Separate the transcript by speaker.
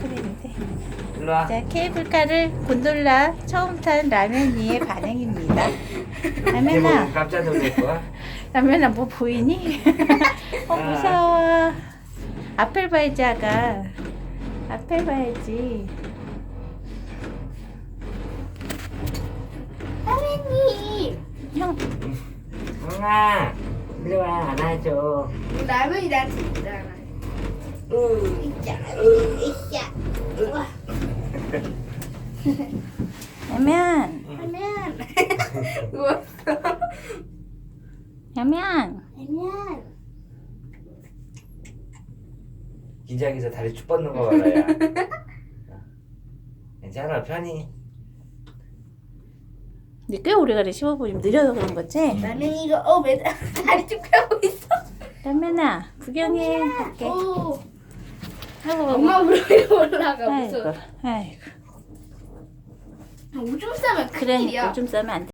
Speaker 1: 그랬는데.
Speaker 2: 일로 와.
Speaker 1: 자, 케이블카를 곤돌라 처음 탄 라면이의 반응입니다. 라면아,
Speaker 2: 깜짝 놀랄 거야.
Speaker 1: 라면아 뭐 보이니? 무서워. 앞을 봐야지, 아가. 앞을 봐야지.
Speaker 3: 선생님,
Speaker 1: 형,
Speaker 2: 형아, 일로 와, 안아줘.
Speaker 3: 라면이 나한테 있잖아.
Speaker 2: 으,
Speaker 3: 으쌰.
Speaker 1: 라면,
Speaker 3: 라면. 누웠어.
Speaker 1: 라면.
Speaker 3: 라면.
Speaker 2: 긴장해서 다리 쭉 뻗는 거 봐라, 야. 괜찮아, 편히.
Speaker 1: 근데 꽤 오래가래 15분이면 느려서 그런 거지?
Speaker 3: 나는 이거 왜 다리 쭉 펴고 있어?
Speaker 1: 라면아, 구경해. 갈게.
Speaker 3: 오.
Speaker 1: 아이고,
Speaker 3: 엄마 무릎에 올라가
Speaker 1: 아이고,
Speaker 3: 무서워.
Speaker 1: 아이고.
Speaker 3: 오줌 싸면
Speaker 1: 그래,
Speaker 3: 큰일이야.
Speaker 1: 오줌 싸면 안 돼.